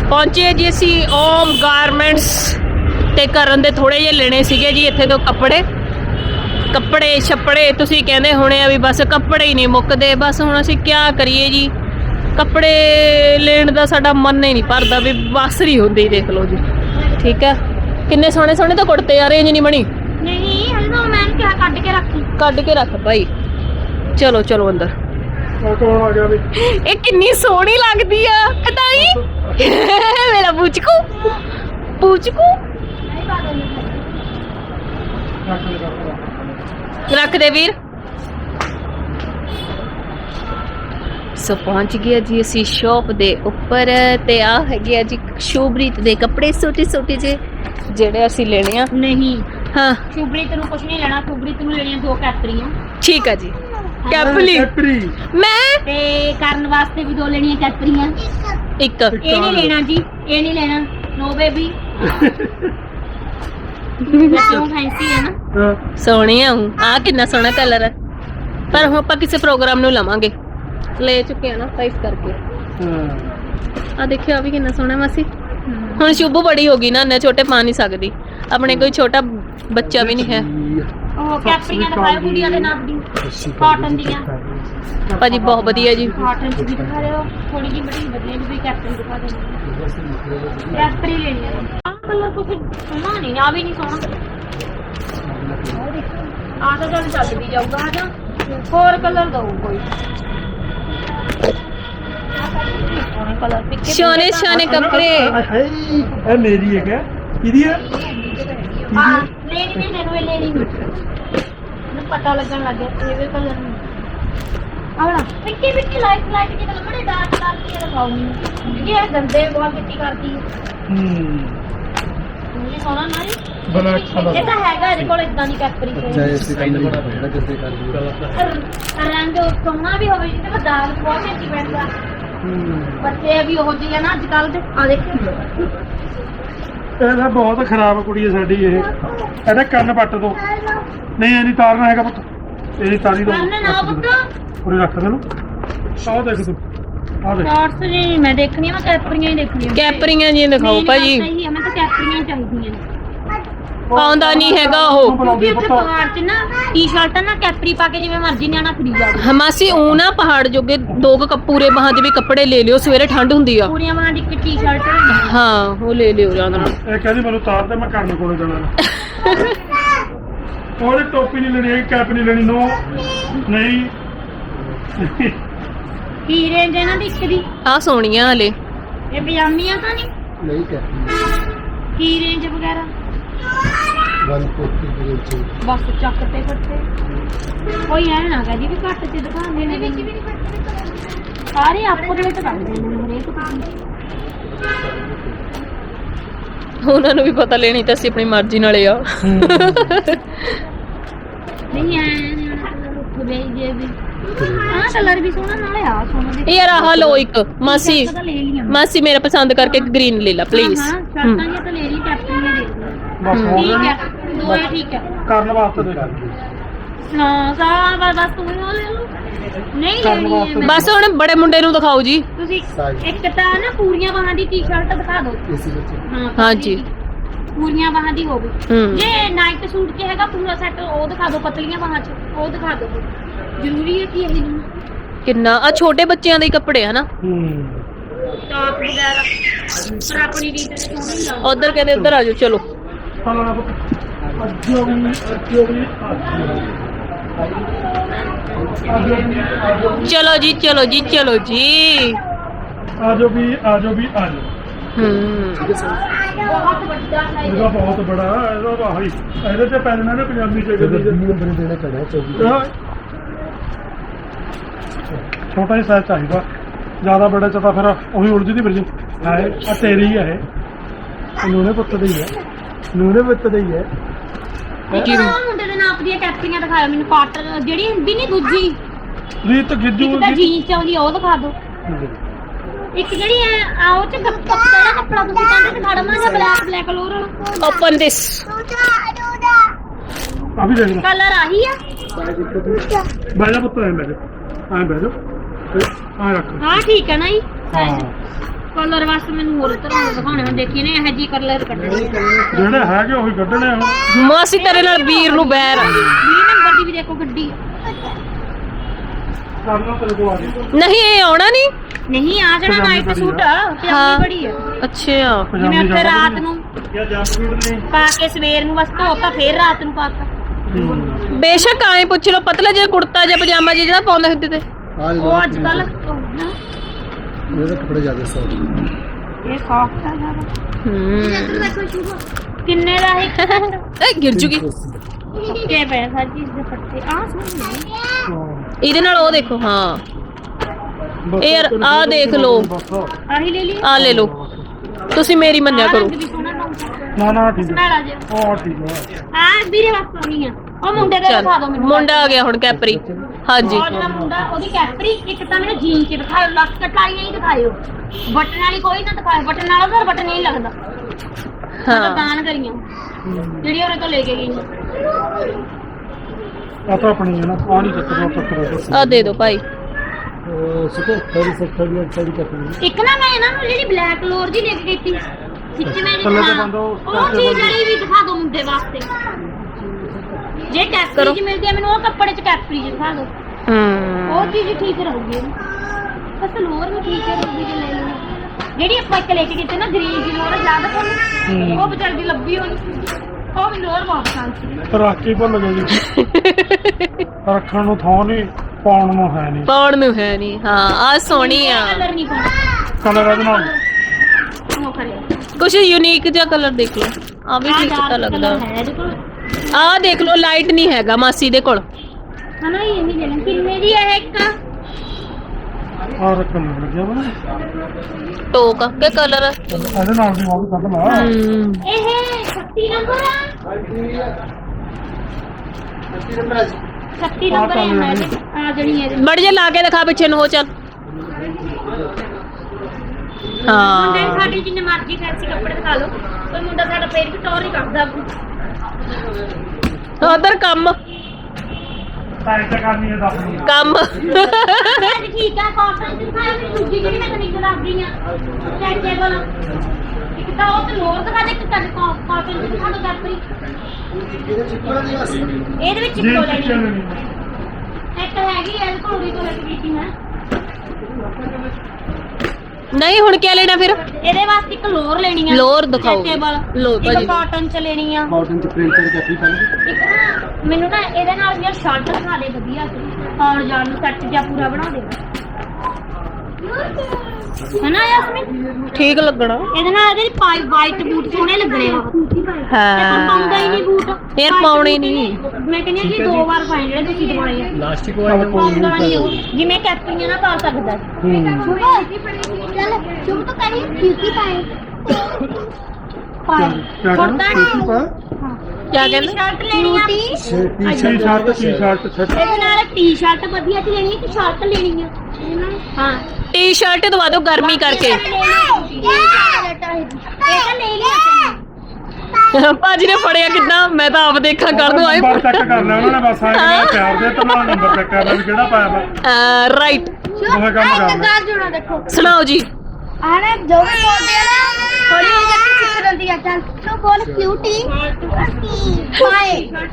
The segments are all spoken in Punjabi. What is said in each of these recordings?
ਪਹੁੰਚੇ ਜੀ ਅਸੀਂ ਓਮ ਗਾਰਮੈਂਟਸ ਤੇ ਕਰਨ ਦੇ ਥੋੜੇ ਜਿਹੇ ਲੈਣੇ ਸੀਗੇ ਜੀ ਇੱਥੇ ਤੋਂ ਕੱਪੜੇ ਛੱਪੜੇ ਤੁਸੀਂ ਕਹਿੰਦੇ ਹੋਣੇ ਆ ਵੀ ਬਸ ਕੱਪੜੇ ਹੀ ਨਹੀਂ ਮੁੱਕਦੇ। ਬਸ ਹੁਣ ਅਸੀਂ ਕੀ ਕਰੀਏ ਜੀ, ਕੱਪੜੇ ਲੈਣ ਦਾ ਸਾਡਾ ਮਨ ਹੀ ਨਹੀਂ ਭਰਦਾ ਵੀ ਬਸ ਨਹੀਂ ਹੁੰਦੀ। ਦੇਖ ਲਓ ਜੀ, ਠੀਕ ਹੈ। ਕਿੰਨੇ ਸੋਹਣੇ ਸੋਹਣੇ ਤਾਂ ਕੁੜਤੇ ਯਾਰ, ਰੇਂਜ ਨਹੀਂ ਬਣੀ। ਨਹੀਂ ਹਲੇ ਤਾਂ ਮੈਂ ਕਿਹਾ ਕੱਢ ਕੇ ਰੱਖ ਭਾਈ। ਚਲੋ ਚਲੋ ਅੰਦਰ। ਕੌਣ ਆ ਗਿਆ ਵੀ? ਇਹ ਕਿੰਨੀ ਸੋਹਣੀ ਲੱਗਦੀ ਆ ਕਟਾਈ। ਮੇਰਾ ਪੁਚਕੂ ਰੱਖ ਦੇ ਵੀਰ। ਸੋ ਪਹੁੰਚ ਗਿਆ ਜੀ ਅਸੀਂ ਸ਼ੌਪ ਦੇ ਉੱਪਰ ਤੇ ਆ ਹੈਗੇ ਆ ਜੀ ਸ਼ੁਭਰੀਤ ਦੇ ਕੱਪੜੇ ਛੋਟੇ ਜਿਹੇ ਜਿਹੜੇ ਅਸੀਂ ਲੈਣੇ ਆ। ਨਹੀਂ ਹਾਂ, ਸ਼ੁਭਰੀਤ ਨੂੰ ਕੁਝ ਨਹੀਂ ਲੈਣਾ। ਸ਼ੁਭਰੀਤ ਨੂੰ ਲੈਣੀਆਂ 2 ਕੈਪਰੀਆਂ। ਠੀਕ ਆ ਜੀ। ਕੈਪਲੀ ਮੈਂ ਤੇ ਕਰਨ ਵਾਸਤੇ ਵੀ 2 ਲੈਣੀਆਂ ਕੈਪਰੀਆਂ। ਇੱਕ ਇਹ ਨਹੀਂ ਲੈਣਾ ਜੀ, ਇਹ ਨਹੀਂ ਲੈਣਾ। ਨੋ ਬੇਬੀ ਕਿਉਂ ਫੈਂਸੀ ਹੈ ਨਾ, ਸੋਹਣੀ ਆ ਕਿੰਨਾ ਸੋਹਣਾ ਕਲਰ ਹੈ। ਪਰ ਹੁਣ ਆਪਾਂ ਕਿਸੇ ਪ੍ਰੋਗਰਾਮ ਨੂੰ ਲਵਾਂਗੇ, ਲੈ ਚੁੱਕੇ ਆ ਨਾ ਤਾਂ ਇਸ ਕਰਕੇ। ਆ ਦੇਖਿਓ ਆ ਵੀ ਕਿੰਨਾ ਸੋਹਣਾ ਮਾਸੀ। ਹੁਣ ਸ਼ੁਭੂ ਬੜੀ ਹੋ ਗਈ ਨਾ, ਇੰਨੇ ਛੋਟੇ ਪਾ ਨਹੀਂ ਸਕਦੀ। ਆਪਣੇ ਕੋਈ ਛੋਟਾ ਬੱਚਾ ਵੀ ਨਹੀਂ ਹੈ। ਉਹ ਕੈਪਰੀਆਂ ਦਿਖਾਓ ਕੁੜੀਆਂ ਦੇ ਨਾਪ ਦੀ, ਕਾਟਨ ਦੀਆਂ। ਭਾਜੀ ਬਹੁਤ ਵਧੀਆ ਜੀ। ਕਾਟਨ ਚ ਵੀ ਦਿਖਾ ਰਹੇ ਹੋ, ਥੋੜੀ ਜਿਹੀ ਬੜੀ ਵਧੀਆ ਵੀ ਕੋਈ ਕੈਪਰੀ ਦਿਖਾ ਦੇਣੀ। ਕੈਪਰੀ ਲੈਣੀ ਹੈ। ਆਹ ਕਲਰ ਕੁਝ ਸੋਹਣਾ ਨਹੀਂ, ਆ ਵੀ ਨਹੀਂ ਸੋਹਣਾ। ਆ ਤਾਂ ਚੱਲ ਵੀ ਜਾਊਗਾ। ਆ ਜਾ ਹੋਰ ਕਲਰ ਦਊ ਕੋਈ। ਸੋਹਣੇ ਕੱਪੜੇ। ਇਹ ਮੇਰੀ ਹੈ ਕਿਆ? ਕਿਹਦੀ ਹੈ? ਹਾਂ ਲੈਣੀ ਨਹੀਂ, ਮੈਨੂੰ ਇਹ ਲੈਣੀ ਨਹੀਂ। ਮੈਨੂੰ ਪਤਾ ਲੱਗਣ ਲੱਗ ਗਿਆ ਇਹ ਕਲਰ ਨਹੀਂ। ਆਵਲਾ ਪਿੱਕੀ ਲਾਈਟ ਕੇ ਕਲਰ ਬੜੇ ਡਾਰਕ ਕੇ ਲਗਾਉਣੀ। ਇਹ ਗੰਦੇ ਬਹੁਤ ਮਿੱਟੀ ਕਰਦੀ ਹੈ। ਇਹ ਸੋਹਣਾ ਨਾ ਜੀ, ਬਲੈਕ ਕਲਰ ਇਹ ਤਾਂ ਹੈਗਾ ਇਹਦੇ ਕੋਲ ਇਦਾਂ ਦੀ ਕੈਪਰੀ। ਜੈਸੇ ਕੰਨ ਬੜਾ ਬੜਾ ਜਿੱਦੇ ਕਰ ਰੰਗ ਸੋਹਣਾ ਵੀ ਹੋਵੇ ਜਿਹਦੇ ਪਰ ਦਾਗ ਬਹੁਤ ਛੇਤੀ ਪੈਂਦਾ। ਬੱਚੇ ਵੀ ਉਹ ਜਿਹੇ ਆ ਨਾ ਅੱਜ ਕੱਲ ਦੇ। ਆ ਦੇਖੋ ਇਹਦਾ ਬਹੁਤ ਖਰਾਬ ਕੁੜੀ ਹੈ ਸਾਡੀ ਇਹ। ਇਹਦਾ ਕੰਨ ਪੱਟ ਦੋ। ਨਹੀਂ ਇਹ ਨਹੀਂ ਤਾਰਨਾ ਹੈਗਾ ਪੁੱਤ, ਇਹ ਨਹੀਂ ਤਾਰੀ ਦੋ। ਕੰਨ ਨਾ ਪੁੱਤ, ਪੂਰੇ ਰੱਖ ਦੇ ਨੂੰ। ਆਹ ਦੇਖ ਤੂੰ, ਆਹ ਦੇਖ। ਸ਼ਾਰਟਸ ਨਹੀਂ ਮੈਂ ਦੇਖਣੀ, ਮੈਂ ਕੈਪਰੀਆਂ ਹੀ ਦੇਖਣੀਆਂ। ਕੈਪਰੀਆਂ ਜੀ ਦਿਖਾਓ ਭਾਜੀ। ਸਹੀ ਹੈ, ਮੈਂ ਤਾਂ ਕੈਪਰੀਆਂ ਚਾਹੀਦੀਆਂ ਨੇ। ਆਉਂਦਾ ਨਹੀਂ ਹੈਗਾ ਉਹ। ਕਿਉਂਕਿ ਉੱਥੇ ਪਹਾੜ 'ਚ ਨਾ ਟੀ-ਸ਼ਰਟ ਨਾ ਕੈਪਰੀ ਪਾ ਕੇ ਜਿਵੇਂ ਮਰਜ਼ੀ ਨਿਆਣਾ ਖਰੀਦ ਜਾਵੇ। ਹਮਾਸੀ ਉਹ ਨਾ ਪਹਾੜ ਜੋਗੇ 2 ਪੂਰੇ ਬਾਹਾਂ ਦੇ ਵੀ ਕੱਪੜੇ ਲੈ ਲਿਓ, ਸਵੇਰੇ ਠੰਡ ਹੁੰਦੀ ਆ। ਪੂਰੀਆਂ ਬਾਹਾਂ ਦੀ ਇੱਕ ਟੀ-ਸ਼ਰਟ ਹਾਂ ਉਹ ਲੈ ਲਿਓ ਜਾਂਦਾ। ਇਹ ਕਹਿੰਦੀ ਮੈਨੂੰ ਤਾਰ ਦੇ, ਮੈਂ ਕਰਨ ਕੋਲੇ ਜਾਣਾ। ਉਹਨੇ ਟੋਪੀ ਨਹੀਂ ਲੈਣੀ, ਕੈਪ ਨਹੀਂ ਲੈਣੀ। ਨੋ ਨਹੀਂ। ਕੀ ਰੇਂਜ ਇਹਨਾਂ ਦੀ ਇੱਕ ਦੀ? ਆ ਸੋਹਣੀਆਂ ਹਲੇ। ਇਹ ਪਜਾਮੀਆਂ ਤਾਂ ਨਹੀਂ? ਨਹੀਂ ਕੈਪ ਕੀ ਰੇਂਜ ਵਗੈਰਾ? 140 ਰੇਂਜ। ਬਸ ਚੱਕ ਤੇ ਕੱਟੇ ਕੋਈ ਐ ਨਾ ਕਹਦੀ ਵੀ ਘੱਟ ਚ ਦਿਖਾਉਂਦੇ ਨੇ। ਵਿੱਚ ਵੀ ਨਹੀਂ ਘੱਟ, ਸਾਰੇ ਆਪੋ ਦੇ ਵਿੱਚ ਦੱਸਦੇ ਨੇ ਹਰੇਕ ਉਹਨਾਂ ਨੂੰ ਵੀ ਪਤਾ ਲੈਣੀ ਤਾਂ ਅਸੀਂ ਆਪਣੀ ਮਰਜ਼ੀ ਨਾਲੇ ਆ। ਨਹੀਂ ਐ ਉੱਠ ਗਈ ਜੇ ਵੀ ਆਹ ਕਲਰ ਵੀ ਸੋਹਣਾ ਨਾਲੇ ਆ ਸੋਹਣਾ। ਯਾਰ ਆਹ ਲਓ ਇੱਕ ਮਾਸੀ ਮੇਰਾ ਪਸੰਦ ਕਰਕੇ ਗ੍ਰੀਨ ਲੈ ਲਾ ਪਲੀਜ਼। ਹਾਂ ਸ਼ਰਟਾਂ ਜਿਹਾ ਤਾਂ ਲੈ ਲਈ, ਕੈਪਰੀਆਂ ਦੇ ਬਸ ਹੋ ਠੀਕ ਗਿਆ। ਹੈ, ਦੋਏ ਠੀਕ ਹੈ। ਕਰਨ ਵਾਸਤੇ ਦੇ ਹਾਂ ਸਾਰਾ ਬਸ ਤੂੰ ਹੀ ਉਹ ਲੈ ਲਓ। ਨਹੀਂ ਲੈਣੀ ਹੈ ਮੈਂ। ਬਸ ਹੁਣ ਬੜੇ ਮੁੰਡੇ ਨੂੰ ਦਿਖਾਓ ਜੀ। ਤੁਸੀਂ ਇੱਕ ਤਾਂ ਨਾ ਪੂਰੀਆਂ ਬਾਹਾਂ ਦੀ ਟੀ-ਸ਼ਰਟ ਦਿਖਾ ਦਿਓ। ਹਾਂ ਹਾਂਜੀ ਪੂਰੀਆਂ ਬਾਹਾਂ ਦੀ ਹੋਵੇ। ਹੂੰ। ਜੇ ਨਾਈਟ ਸੂਟ 'ਚ ਹੈਗਾ ਪੂਰਾ ਸੈੱਟ ਉਹ ਦਿਖਾ ਦਿਓ, ਪਤਲੀਆਂ ਬਾਹਾਂ 'ਚ ਉਹ ਦਿਖਾ ਦਿਓ। ਜ਼ਰੂਰੀ ਹੈ ਕਿ ਇਹ ਨਹੀਂ ਕਿੰਨਾ ਆ ਛੋਟੇ ਬੱਚਿਆਂ ਦੇ ਹੀ ਕੱਪੜੇ ਹਨਾ। ਟਾਪ ਵਗੈਰਾ ਪਰ ਆਪਣੀ ਰੀਤ ਤੇ ਸੋਹਣੀ ਲੱਗਦੀ। ਉਧਰ ਕਹਿੰਦੇ ਉਧਰ ਆ ਜਾਓ। ਚਲੋ ਚਲੋ ਜੀ ਚਲੋ ਜੀ ਚਲੋ ਜੀ। ਆਜੋ ਵੀ ਆਜੋ ਵੀ ਆਜੋ। ਬਹੁਤ ਵੱਡਾ ਸਾਈਜ਼ ਇਹਦਾ ਬਹੁਤ ਬੜਾ ਇਹਦਾ ਭਾਈ। ਇਹਦੇ ਤੇ ਪੈਣਾ ਨਾ ਪੰਜਾਬੀ ਚ ਨੰਬਰ ਦੇਣੇ ਪੈਣਾ। ਛੋਟਾ ਹੀ ਸਾਈਜ਼ ਚਾਹੀਦਾ, ਜ਼ਿਆਦਾ ਬੜਾ ਚ ਤਾਂ ਫਿਰ ਉਹੀ ਉਲਝਦੀ ਫਿਰ ਜੀ। ਹਾਏ ਆ ਤੇਰੀ ਹੀ ਹੈ ਇਹ। ਨੂਨੇ ਪੁੱਤ ਦੀ ਹੈ, ਨੂਨੇ ਪੁੱਤ ਦੀ ਹੈ। ਮੁੰਡੇ ਦੇ ਨਾਪ ਦੀਆਂ ਕੈਪਰੀਆਂ ਦਿਖਾਓ ਮੈਨੂੰ। ਕਾਟਨ ਜਿਹੜੀ ਹੁੰਦੀ ਨਹੀਂ ਦੂਜੀ ਰੀਤ ਗਿੱਜੂ ਇੱਕ ਤਾਂ ਜੀਨਸ ਚ ਆਉਂਦੀ ਉਹ ਦਿਖਾ ਦਿਓ। ਇੱਕ ਜਿਹੜੀ ਆ ਉਹ ਚ ਜਿਹੜਾ ਕੱਪੜਾ ਤੁਸੀਂ ਕਹਿੰਦੇ ਦਿਖਾ ਦਵਾਂ ਜਾਂ ਬਲੈਕ ਕਲਰ ਵਾਲਾ। Open this. ਆ ਵੀ ਦੇਖ ਲੈ। ਕਲਰ ਆਹੀ ਆ। ਬਹਿ ਜਾ ਪੁੱਤ, ਐਂ ਬਹਿ ਜਾ, ਐਂ ਬਹਿ ਜਾ, ਐਂ ਰੱਖ। ਹਾਂ ਠੀਕ ਹੈ ਨਾ ਜੀ। ਹਾਂ ਕਲਰ ਵਾਸਤੇ ਮੈਨੂੰ ਹੋਰ ਤਰ੍ਹਾਂ ਦੇ ਦਿਖਾਉਣੇ ਹੁਣ ਦੇਖੀ ਨੇ ਇਹ ਜੀ ਕਲਰ ਕੱਢਣੇ ਜਿਹੜੇ ਹੈਗੇ ਉਹੀ ਕੱਢਣੇ ਹੁਣ। ਮਾਸੀ ਤੇਰੇ ਨਾਲ ਵੀਰ ਨੂੰ ਬੈਰ ਆ। 20 ਨੰਬਰ ਦੀ ਵੀ ਦੇਖੋ ਗੱਡੀ ਕਰਨਾ ਤੇਰੇ ਕੋਲ ਆ ਗਈ। ਨਹੀਂ ਇਹ ਆਉਣਾ ਨਹੀਂ। ਨਹੀਂ ਆ ਜਾਣਾ ਪਜਾਮੀ ਨਾਈਟ ਬੜੀ ਸੂਟ ਆ। ਆ ਪਜਾਮੀ ਬੜੀ ਆ ਅੱਛਾ ਜਿਵੇਂ ਪਜਾਮੀ ਉੱਤੇ ਜ਼ਿਆਦਾ ਰਾਤ ਬੜੀ ਨੂੰ ਜਾਂ ਜੰਪ ਨੇ ਪਾ ਕੇ ਸਵੇਰ ਨੂੰ ਬਸ ਧੋਤਾ ਫੇਰ ਰਾਤ ਨੂੰ ਪਾ ਕੇ ਬੇਸ਼ੱਕ ਆਏ ਪੁੱਛ ਲਓ ਪਤਲਾ ਜਿਹਾ ਕੁੜਤਾ ਜਾਂ ਪਜਾਮਾ ਜਿਹਾ ਜਿਹੜਾ ਪਾਉਂਦੇ ਹੁੰਦੇ ਤੇ। ਉਹ ਅੱਜ ਕੱਲ ਇਹਦੇ ਕੱਪੜੇ ਜ਼ਿਆਦਾ ਸੌਫਟ ਇਹ ਸੌਫਟ ਆ ਜ਼ਿਆਦਾ ਕਿੰਨੇ ਦਾ ਹੈ ਇਹ ਗਿਰ ਜੂਗੀ। ਕਿ ਪੈਸਾ ਚੀਜ਼ ਦੇ ਪੱਤੇ ਆ ਸੋਹਣੇ ਇਹਦੇ ਨਾਲ ਉਹ ਦੇਖੋ ਹਾਂ ਬਸ ਇਹ ਯਾਰ ਆਹ ਦੇਖ ਲਓ। ਬਸ। ਆਹੀ ਲੈ ਲਈ ਆ ਲੈ ਲਓ ਤੁਸੀਂ ਮੇਰੀ ਮੰਨਿਆ ਆਹ ਕਰੋ। ਰੰਗ ਵੀ ਸੋਹਣਾ ਲੱਗਦਾ ਨਾ ਨਾ ਠੀਕ ਹੈ। ਸਨਾਲਾ ਜਿਹਾ ਉਹ ਠੀਕ ਹੈ। ਆ ਵੀਰੇ ਵਾਸਤੇ ਨਹੀਂ ਆ ਉਹ ਮੁੰਡੇ ਦਾ ਚੱਲ ਦਿਖਾ ਦਿਓ ਮੈਨੂੰ ਮੁੰਡਾ ਆ ਗਿਆ ਹੁਣ ਕੈਪਰੀ। ਹਾਂਜੀ ਉਹ ਜਿਹੜਾ ਮੁੰਡਾ ਉਹਦੀ ਕੈਪਰੀ ਇੱਕ ਤਾਂ ਮੈਨੂੰ ਜੀਨ ਚ ਦਿਖਾਓ ਲੱਕ ਕਟਾਈਆਂ ਹੀ ਦਿਖਾਇਓ ਬਟਨ ਵਾਲੀ ਕੋਈ ਨਾ ਦਿਖਾਓ ਬਟਨ ਵਾਲਾ ਤਾਂ ਬਟਨ ਨਹੀਂ ਲੱਗਦਾ ਹਾਂ ਹਾਂ ਦਾਨ ਕਰੀਆਂ ਜਿਹੜੀ ਉਹਨੇ ਤੋਂ ਲੈ ਕੇ ਗਈ ਆ ਤਾਂ ਆਪਣੀ ਹੈ ਨਾ ਆ ਨਹੀਂ ਚੱਕਦਾ ਆ ਦੇ ਦਿਓ ਭਾਈ। ਸੁਕੋ ਥੋੜੀ ਸਖਤੀ ਸਾਡੀ ਕੱਪੜੇ ਇੱਕ ਨਾ ਮੈਂ ਇਹਨਾਂ ਨੂੰ ਜਿਹੜੀ ਬਲੈਕ ਲੋਰ ਦੀ ਲੈ ਕੇ ਗਈ ਸੀ ਵਿੱਚ ਮੈਂ ਥੱਲੇ ਤੇ ਬੰਦ ਉਹ ਉਹ ਚੀਜ਼ ਜਿਹੜੀ ਵੀ ਦਿਖਾ ਦਿਓ ਮੁੰਡੇ ਵਾਸਤੇ ਜੇ ਕੈਪਰੀ ਚ ਮਿਲਦੀ ਹੈ ਮੈਨੂੰ ਉਹ ਕੱਪੜੇ ਚ ਕੈਪਰੀ ਚ ਦਿਖਾ ਦਿਓ ਉਹ ਚੀਜ਼ ਠੀਕ ਰਹੂਗੀ ਬਸ ਲੋਰ ਵੀ ਠੀਕ ਰਹੂਗੀ ਜੇ ਲੈ ਲਓ ਜਿਹੜੀ ਆਪਾਂ ਇੱਕ ਲੈ ਕੇ ਗਏ ਤੇ ਨਾ ਗ੍ਰੀਨ ਦੀ ਲੋਰ ਜ਼ਿਆਦਾ ਤੁਹਾਨੂੰ ਉਹ ਵਿਚਾਰੀ ਦੀ ਲੱਭੀ ਹੋਣੀ ਉਹ ਵੀ ਲੋਰ ਬਹੁਤ ਪਸੰਦ ਸੀ ਰੱਖ ਕੇ ਭੁੱਲ ਗਏ ਜੀ। ਰੱਖਣ ਨੂੰ ਥਾਂ ਨਹੀਂ ਪਾਉਣ ਨੂੰ ਹੈ ਨਹੀਂ। ਪਾਉਣ ਨੂੰ ਹੈ ਨਹੀਂ। ਹਾਂ ਆ ਸੋਹਣੀ ਆ। ਕਲਰ ਨਹੀਂ ਪਾਉਣਾ ਕਲਰ ਇਹਦੇ ਨਾਲ ਉਹ ਕਰਿਆ ਕੁਛ ਯੂਨੀਕ ਜਿਹਾ ਕਲਰ ਦੇਖ ਲਓ। ਆ ਵੀ ਠੀਕ ਤਾਂ ਲੱਗਦਾ। ਹੈ ਇਹਦੇ ਕੋਲ ਆ ਦੇਖ ਲਓ ਲਾਈਟ ਨਹੀਂ ਹੈਗਾ ਮਾਸੀ ਦੇ ਕੋਲ। ਹਨਾ ਇਹ ਨਹੀਂ ਲੈਣਾ ਕਿੰਨੇ ਦੀ ਹੈ ਇੱਕ ਆ ਰੱਖਣ ਨੂੰ ਲੱਗਿਆ ਵਾ ਟੋਕ ਕੇ ਕਲਰ। ਇਹਦੇ ਨਾਲ ਦੀ ਉਹ ਵੀ ਕੱਢ ਲਾ। ਇਹ 36 ਨੰਬਰ ਆ 36 ਨੰਬਰ ਹੈ ਆ ਜਣੀ ਹੈ ਬੜ ਜੇ ਲਾ ਕੇ ਦਿਖਾ ਪਿੱਛੇ ਨੂੰ ਹੋ ਚੱਲ। ਮੁੰਡੇ ਹਾਂ ਸਾਡੇ ਜਿੰਨੇ ਮਰਜ਼ੀ ਫੈਂਸੀ ਕੱਪੜੇ ਦਿਖਾ ਲਓ ਕੋਈ ਮੁੰਡਾ ਸਾਡਾ ਫੇਰ ਵੀ ਟੌਰ ਹੀ ਕੱਢਦਾ ਉਧਰ ਕੰਮ ਟਾਈਟ ਕਰਨੀ ਹੈ ਦੱਸ ਨੂੰ। ਕੰਮ ਅੱਜ ਠੀਕ ਆ ਕਾਟਨ ਦੀ ਦਿਖਾਈ ਮੇਰੀ ਦੂਜੀ ਜਿਹੜੀ ਮੈਂ ਤੈਨੂੰ ਦੱਸ ਰਹੀ ਆ ਸਟ੍ਰੈਚੇਬਲ ਇੱਕ ਤਾਂ ਉਹ ਤੇ ਲੋਰ ਦਿਖਾ ਦੇ ਇੱਕ ਤਾਂ ਕਾਟਨ ਦੀ ਦਿਖਾ ਦੋ ਕੈਪਰੀ ਇਹਦੇ ਵਿੱਚ ਜੀ ਇੱਕੋ ਪਿੱਛੇ ਲੈਣੀ ਲੈਣੀ ਇੱਕ ਹੈਗੀ ਐ ਕੋਲ ਵੀ ਤੋਂ ਲੈ ਕੇ ਗਈ ਮੈਂ ਨਹੀਂ ਹੁਣ ਕੀ ਲੈਣਾ ਫਿਰ। ਇਹਦੇ ਵਾਸਤੇ ਇੱਕ ਲੋਰ ਲੈਣੀ ਆ ਲੋਅਰ ਦਿਖਾਓ। stretchable। ਲਓ ਭਾਜੀ। ਇੱਕ ਕਾਟਨ ਚ ਲੈਣੀ ਆ ਕਾਟਨ ਚ ਪ੍ਰਿੰਟਡ ਕੱਪੜੇ ਪਾਣੀ ਇੱਕ ਨਾ ਮੈਨੂੰ ਨਾ ਇਹਦੇ ਨਾਲ ਯਾਰ ਸ਼ਰਟ ਦਿਖਾ ਦੇ ਵਧੀਆ ਸੀ ਆਉਣ ਜਾਣ ਨੂੰ ਸੈੱਟ ਜਿਹਾ ਪੂਰਾ ਬਣਾ ਦੇ ਹਨਾ ਯਾਸਮੀਨ ਠੀਕ ਲੱਗਣਾ। ਇਹਦੇ ਨਾਲ ਇਹਦੇ ਪਾਈ ਵਾਈਟ ਬੂਟ ਸੋਹਣੇ ਲੱਗਣੇ ਆ ਹਾਂ ਪਾਉਂਦਾ ਹੀ ਨਹੀਂ ਬੂਟ ਯਾਰ ਪਾਉਣੇ ਨਹੀਂ। ਮੈਂ ਕਹਿੰਦੀ ਹਾਂ ਜੀ 2 ਵਾਰ ਪਾਏ ਜਿਹੜੇ ਤੁਸੀਂ ਦਵਾਏ ਆ ਪਲਾਸਟਿਕ ਵਾਲਾ ਪਾਉਂਦਾ ਨਹੀਂ ਉਹ ਜਿਵੇਂ ਕੈਪਰੀਆਂ ਨਾ ਪਾ ਸਕਦਾ ਚੱਲ ਸ਼ੁਭ ਤੋਂ ਕਰੀ ਕਿਉਂਕਿ ਪਾਏ ਪਾਏ ਕਿਆ ਕੁੜਤਾ ਕਰਨਾ ਪਾ ਕਿਆ ਕਹਿੰਦੇ ਸ਼ਰਟ ਲੈਣੀ ਆ ਟੀ-ਸ਼ਰਟ ਛੱਡ ਇਹਦੇ ਨਾਲ ਟੀ-ਸ਼ਰਟ ਵਧੀਆ ਚ ਲੈਣੀ ਕਿ ਸ਼ਰਟ ਲੈਣੀ ਆ ਹਾਂ ਟੀ-ਸ਼ਰਟ ਦਵਾ ਦਿਓ ਗਰਮੀ ਕਰਕੇ। ਇਹ ਤਾਂ ਲੈ ਲਿਆ ਭਾਜੀ ਨੇ ਫੜਿਆ ਕਿੱਦਾਂ ਮੈਂ ਤਾਂ ਆਪ ਦੇਖਾਂ ਕਰ ਦੂੰ ਆਏ। ਨੰਬਰ ਚੈੱਕ ਕਰ ਲਿਆ ਉਹਨਾਂ ਨੇ ਬਸ ਆਏ ਪਿਆਰ ਦੇ ਤਾਂ ਨਾਲ ਨੰਬਰ ਚੈੱਕ ਕਰ ਲਿਆ ਵੀ ਕਿਹੜਾ ਪਾਇਆ ਵਾ ਰਾਈਟ ਉਹ ਕੰਮ ਕਰ ਲਿਆ। ਜੁੜਾ ਦੇਖੋ ਸੁਣਾਓ ਜੀ। ਆਣੇ ਜੋ ਵੀ ਬੋਲਦੇ ਆ ਨਾ ਥੋੜੀ ਜਿਹੀ ਜੱਟੀ ਸਿੱਖ ਰੰਦੀ ਆ ਚੱਲ ਤੂੰ ਬੋਲ ਕਿਊਟੀ ਪਾਏ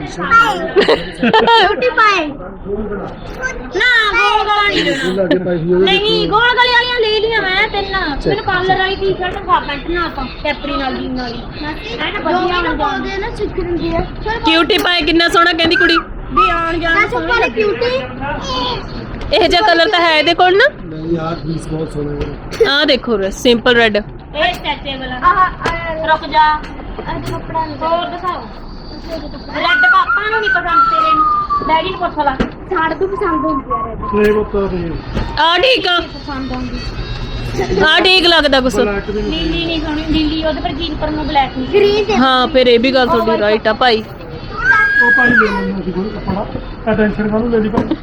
ਕਿਊਟੀ ਪਾਏ ਨਾ ਗੋਲ ਗਲਾ ਨਹੀਂ ਦੇਣਾ ਨਹੀਂ ਗੋਲ ਗਲੇ ਵਾਲੀਆਂ ਲੈ ਲੀਆਂ ਮੈਂ ਤਿੰਨ ਮੈਨੂੰ ਕਾਲਰ ਵਾਲੀ ਟੀ-ਸ਼ਰਟ ਖਾ ਪੈਂਟ ਨਾਲ ਤਾਂ ਕੈਪਰੀ ਨਾਲ ਜੀਨ ਨਾਲ ਹੈ ਨਾ ਵਧੀਆ ਬਣ ਜਾਂਦੇ ਨਾ ਸਿੱਖ ਰੰਦੀ ਆ ਕਿਊਟੀ ਪਾਏ ਕਿੰਨਾ ਸੋਹਣਾ ਕਹਿੰਦੀ ਕੁੜੀ। ਵੀ ਆਣ ਜਾਣ ਸੋਹਣੀ ਕਿਊਟੀ ਇਹ ਜਿਹਾ ਕਲਰ ਤਾਂ ਹੈ ਇਹਦੇ ਕੋਲ ਨਾ। ਨਹੀਂ ਯਾਰ ਪੀਸ ਬਹੁਤ ਸੋਹਣਾ ਹੈ ਆਹ ਦੇਖੋ ਸਿੰਪਲ ਰੈੱਡ। ਇਹ ਸਟ੍ਰੈਚੇਬਲ ਆ ਰੁਕ ਜਾ ਇਹ ਕੱਪੜਾ ਹੋਰ ਦਿਖਾਓ ਰੈੱਡ ਪਾਪਾ ਨੂੰ ਨਹੀਂ ਪਸੰਦ ਤੇਰੇ ਨੂੰ ਡੈਡੀ ਨੂੰ ਪੁੱਛ ਲਾ ਸਾੜ ਤੂੰ ਪਸੰਦ ਹੁੰਦੀ ਆ ਰੈੱਡ ਇਹ ਬਤਾ ਦੇ ਆ ਠੀਕ ਆ। ਪਸੰਦ ਆਉਂਦੀ ਆ ਠੀਕ ਲੱਗਦਾ ਕੁਛ। ਬਲੈਕ ਵੀ ਨਹੀਂ ਨੀਲੀ ਨਹੀਂ ਸੋਹਣੀ ਨੀਲੀ ਉਹਦੇ ਪਰ ਜੀਨ ਪਰ ਨੂੰ ਬਲੈਕ ਨਹੀਂ ਗ੍ਰੀਨ ਹਾਂ ਫਿਰ ਇਹ ਵੀ ਗੱਲ ਤੁਹਾਡੀ ਰਾਈਟ ਆ ਭਾਈ। ਉਹ ਭਾਈ ਲੈ ਲੈਣਾ ਸੀ ਕੋਈ ਕੱਪੜਾ ਅਟੈਂਸ਼ਨ ਕਾਹਨੂੰ ਲੈ ਲਈ ਭਾਈ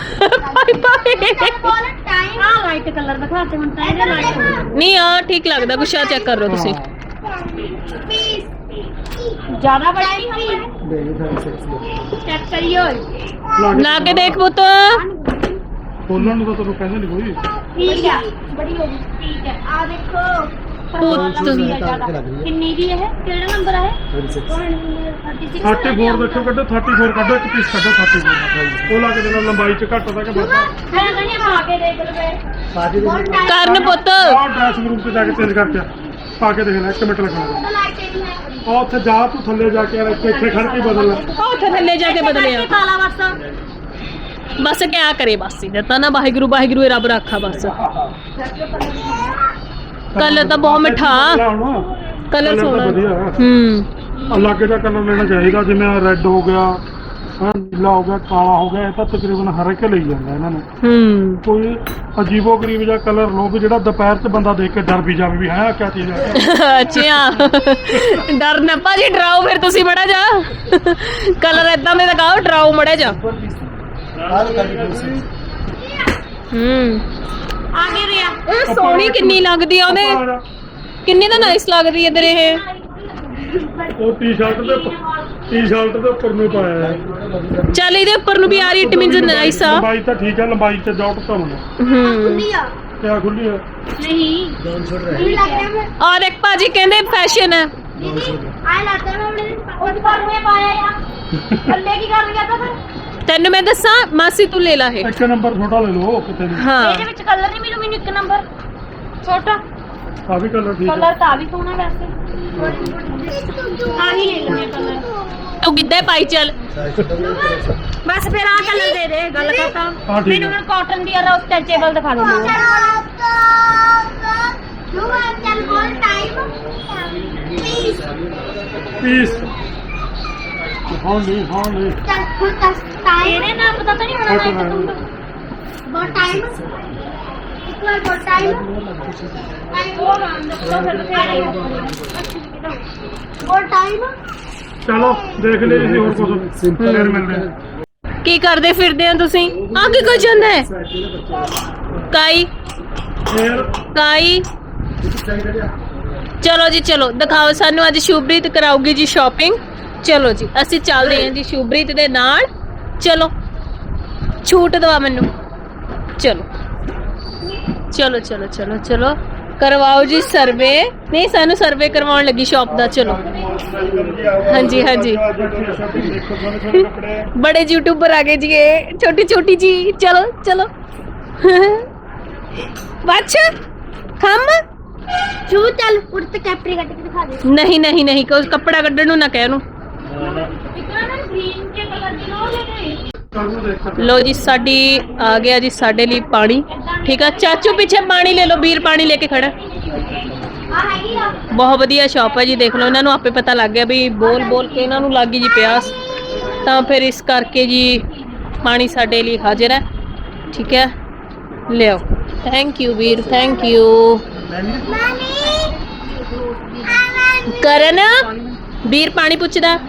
ਬੋਲ ਟਾਈਮ ਆ ਲਾਈਟ ਕਲਰ ਦਿਖਾ ਤੇ ਹੁਣ ਤਾਂ ਇਹਦੇ ਲਾਈਟ ਨਹੀਂ ਆ ਠੀਕ ਲੱਗਦਾ ਕੁਛ ਆ ਚੈੱਕ ਕਰ ਲਓ ਤੁਸੀਂ। ਜ਼ਿਆਦਾ ਬੜਾ ਨਹੀਂ ਨਹੀਂ ਤਾਂ ਸੈਕਸੀ ਚੈੱਕ ਕਰਿਓ ਲਾ ਕੇ ਦੇਖ ਪੁੱਤ। ਖੋਲਣ ਨੂੰ ਤਾਂ ਤੈਨੂੰ ਕਹਿੰਦੇ ਨਹੀਂ ਕੋਈ। ਠੀਕ ਹੈ ਬੜੀ ਹੋ ਗਈ ਠੀਕ ਹੈ ਆ ਦੇਖੋ ਪੁੱਤ। ਕਿੰਨੀ ਦੀ ਇਹ ਕਿਹੜਾ ਨੰਬਰ ਹੈ 36 34 ਦੇਖੋ ਕੱਢੋ 34 ਕੱਢੋ ਇੱਕ ਪੀਸ ਕੱਢੋ 34 ਉਹ ਲਾ ਕੇ ਦੇਣਾ ਲੰਬਾਈ ਚ ਘੱਟ ਦਾ ਕਿ ਵੱਧ ਮੈਂ ਕਹਿੰਦੀ ਆ ਪਾ ਕੇ ਦੇਖ ਲਵੇ पार्टी ਬਹੁਤ ਕਰਨ ਪੁੱਤ ਆਹ ਡਰੈਸਿੰਗ ਰੂਮ ਤੇ ਜਾ ਕੇ ਚੇਂਜ ਕਰਕੇ ਪਾ ਕੇ ਦੇਖਣਾ 1 ਮਿੰਟ ਲੱਗਣਾ ਲਾਈਟ ਨਹੀਂ ਹੈ ਆ ਉੱਥੇ ਜਾ ਤੂੰ ਥੱਲੇ ਜਾ ਕੇ ਯਾਰ ਇੱਥੇ ਖੜ ਕੇ ਬਦਲ ਲੈ ਉਹ ਉੱਥੇ ਥੱਲੇ ਜਾ ਕੇ ਬਦਲਿਆ ਕਾਲਾ ਬਸ ਬਸ ਕਿਆ ਕਰੇ ਬਸ ਇਹਦਾ ਤਾਂ ਨਾ ਵਾਹਿਗੁਰੂ ਵਾਹਿਗੁਰੂ ਇਹ ਰੱਬ ਰੱਖਾ ਬਸ ਕਲਰ ਤਾਂ ਬਹੁਤ ਮਿੱਠਾ ਕਲਰ ਸੋਹਣਾ ਹੂੰ ਅਲੱਗ ਜਿਹਾ ਕਲਰ ਲੈਣਾ ਚਾਹੀਦਾ ਜਿਵੇਂ ਰੈੱਡ ਹੋ ਗਿਆ ਹਾਂ ਨੀਲਾ ਹੋ ਗਿਆ ਕਾਲਾ ਹੋ ਗਿਆ ਇਹ ਤਾਂ ਤਕਰੀਬਨ ਹਰ ਇੱਕ ਲਈ ਜਾਂਦਾ ਇਹਨਾਂ ਨੇ ਹੂੰ ਕੋਈ ਅਜੀਬੋ ਗਰੀਬ ਜਿਹਾ ਕਲਰ ਲੋ ਵੀ ਜਿਹੜਾ ਦੁਪਹਿਰ 'ਚ ਬੰਦਾ ਦੇਖ ਕੇ ਡਰ ਵੀ ਜਾਵੇ ਵੀ ਹੈ ਕਿਆ ਚੀਜ਼ ਹੈ ਅੱਛਾ ਡਰ ਨਾ ਭਾਜੀ ਡਰਾਓ ਫਿਰ ਤੁਸੀਂ ਮੜਾ ਜਾ ਕਲਰ ਇਦਾਂ ਦੇ ਦਿਖਾਓ ਡਰਾਓ ਮੜਾ ਜਾ ਹੂੰ ਆ ਗਏ ਰਿਆ ਇਹ ਸੋਹਣੀ ਕਿੰਨੀ ਲੱਗਦੀ ਆ ਉਹਦੇ ਕਿੰਨੀ ਤਾਂ ਨਾਈਸ ਲੱਗਦੀ ਹੈ ਤੇਰੇ ਇਹ ਉਹ ਟੀ-ਸ਼ਰਟ ਦੇ ਉੱਪਰ ਨੂੰ ਪਾਇਆ ਹੈ ਚੱਲ ਇਹਦੇ ਉੱਪਰ ਨੂੰ ਵੀ ਆ ਰਹੀ ਇਟ ਮੀਨਸ ਨਾਈਸ ਆ ਲੰਬਾਈ ਤਾਂ ਠੀਕ ਹੈ ਲੰਬਾਈ ਤੇ ਜੌਟ ਤਾਂ ਹੋਣਾ ਹੂੰ ਲਿਆ ਕਿਆ ਖੁੱਲੀ ਹੈ ਨਹੀਂ डाउन छोड़ रहा ਨਹੀਂ ਲੱਗ ਰਿਹਾ ਮੈਂ ਆ ਦੇਖ ਭਾਜੀ ਕਹਿੰਦੇ ਫੈਸ਼ਨ ਹੈ ਦੀਦੀ ਆਏ ਲੱਗਦਾ ਮੈਂ ਆਪਣੇ ਉਸ ਪਰ ਮੈਂ ਪਾਇਆ ਯਾਰ ਥੱਲੇ ਕੀ ਕਰ ਲਿਆ ਤਾਂ ਫਿਰ ਤੈਨੂੰ ਮੈਂ ਦੱਸਾਂ ਮਾਸੀ ਤੂੰ ਲੈ ਲਾ ਇਹ ਇੱਕ ਨੰਬਰ ਛੋਟਾ ਲੈ ਲਓ ਕਿਤੇ ਵੀ ਹਾਂ ਇਹਦੇ ਵਿੱਚ ਕਲਰ ਨਹੀਂ ਮੈਨੂੰ ਇੱਕ ਨੰਬਰ ਛੋਟਾ ਆ ਵੀ ਕਲਰ ਠੀਕ ਹੈ ਕਲਰ ਤਾਂ ਵੀ ਸੋਹਣਾ ਵੈਸੇ ਆ ਹੀ ਲੈ ਲੈਣੇ ਕਲਰ ਤੂੰ ਕਿੱਦਾਂ ਪਾਈ ਚੱਲ ਬਸ ਫਿਰ ਆ ਕਲਰ ਦੇ ਦੇ ਗੱਲ ਕਰਤਾ ਹਾਂ, ਠੀਕ ਮੈਨੂੰ ਹੈ। ਹੁਣ ਕਾਟਨ ਦੀ ਯਾਰ ਸਟੈਚੇਬਲ ਦਿਖਾ ਦੇ ਮੈਨੂੰ ਚੱਲ ਬੋਲ ਟਾਈਮ ਪੀਸ ਹਾਂ ਨਹੀਂ ਚੱਲ ਹੁਣ ਟਾਈਮ ਇਹਨੇ ਨਾ ਪਤਾ ਤਾਂ ਨਹੀਂ ਹੋਣਾ Cotton ਨਾ ਹੈ। ਬਹੁਤ ਟਾਈਮ ਇੱਕ ਵਾਰ ਬਹੁਤ ਟਾਈਮ ਉਹ ਰਾਂ ਦੱਸੋ ਫਿਰ ਟਾਈਮ ਚਲੋ ਦੇਖ ਲਈ ਜੀ ਹੋਰ ਕੁਝ ਫਿਰ ਮਿਲਦੇ ਹਾਂ ਕੀ ਕਰਦੇ ਫਿਰਦੇ ਆ ਤੁਸੀਂ ਆ ਕੀ ਕੁਝ ਹੁੰਦਾ ਹੈ ਕਾਈ ਫਿਰ ਕਾਈ ਚਲੋ ਜੀ ਚਲੋ ਦਿਖਾਓ ਸਾਨੂੰ ਅੱਜ ਸ਼ੁਭਰੀਤ ਕਰਾਉਗੀ ਜੀ ਸ਼ਾਪਿੰਗ ਚਲੋ ਜੀ ਅਸੀਂ ਚੱਲਦੇ ਹਾਂ ਜੀ ਸ਼ੁਭਰੀਤ ਦੇ ਨਾਲ ਚਲੋ ਛੂਟ ਦਵਾ ਮੈਨੂੰ ਚਲੋ ਚਲੋ ਚਲੋ ਚਲੋ ਚਲੋ ਕਰਵਾਓ ਜੀ ਸਰਵੇ ਨਹੀਂ ਸਾਨੂੰ ਸਰਵੇ ਕਰਵਾਉਣ ਲੱਗੀ ਸ਼ਾਪ ਦਾ ਚਲੋ ਹਾਂਜੀ ਹਾਂਜੀ बड़े यूट्यूबर आ गए जी ये छोटी छोटी जी चलो चलो अच्छा हम ਸ਼ੂ ਚੱਲ ਉੱਤੇ ਕੈਪਰੀ ਕੱਟ ਕੇ ਦਿਖਾ ਦੇ नहीं नहीं नहीं को कपड़ा कड्डण नूं ना कह नूं ਇਤਨਾ ਨਾ ਗ੍ਰੀਨ ਕੇ ਕਲਰ ਦੀ ਲੋ ਲੈ ਗਏ लो जी साडी आ गया जी साडे लिए पानी ठीक है चाचू पीछे पानी ले लो बीर पानी लेके खड़ा ਆ ਹੈਗੀ ਆ बहुत वधिया शॉप है जी देख लो इन्हां नूं आपे पता लग गया भी बोल बोल के इन्हां नूं लग गई जी प्यास ਤਾਂ ਫਿਰ ਇਸ ਕਰਕੇ ਜੀ ਪਾਣੀ ਸਾਡੇ ਲਈ ਹਾਜ਼ਰ ਹੈ ਠੀਕ ਹੈ ਲਿਓ ਥੈਂਕ ਯੂ ਵੀਰ ਥੈਂਕ ਯੂ ਕਰਨ ਵੀਰ ਪਾਣੀ ਪੁੱਛਦਾ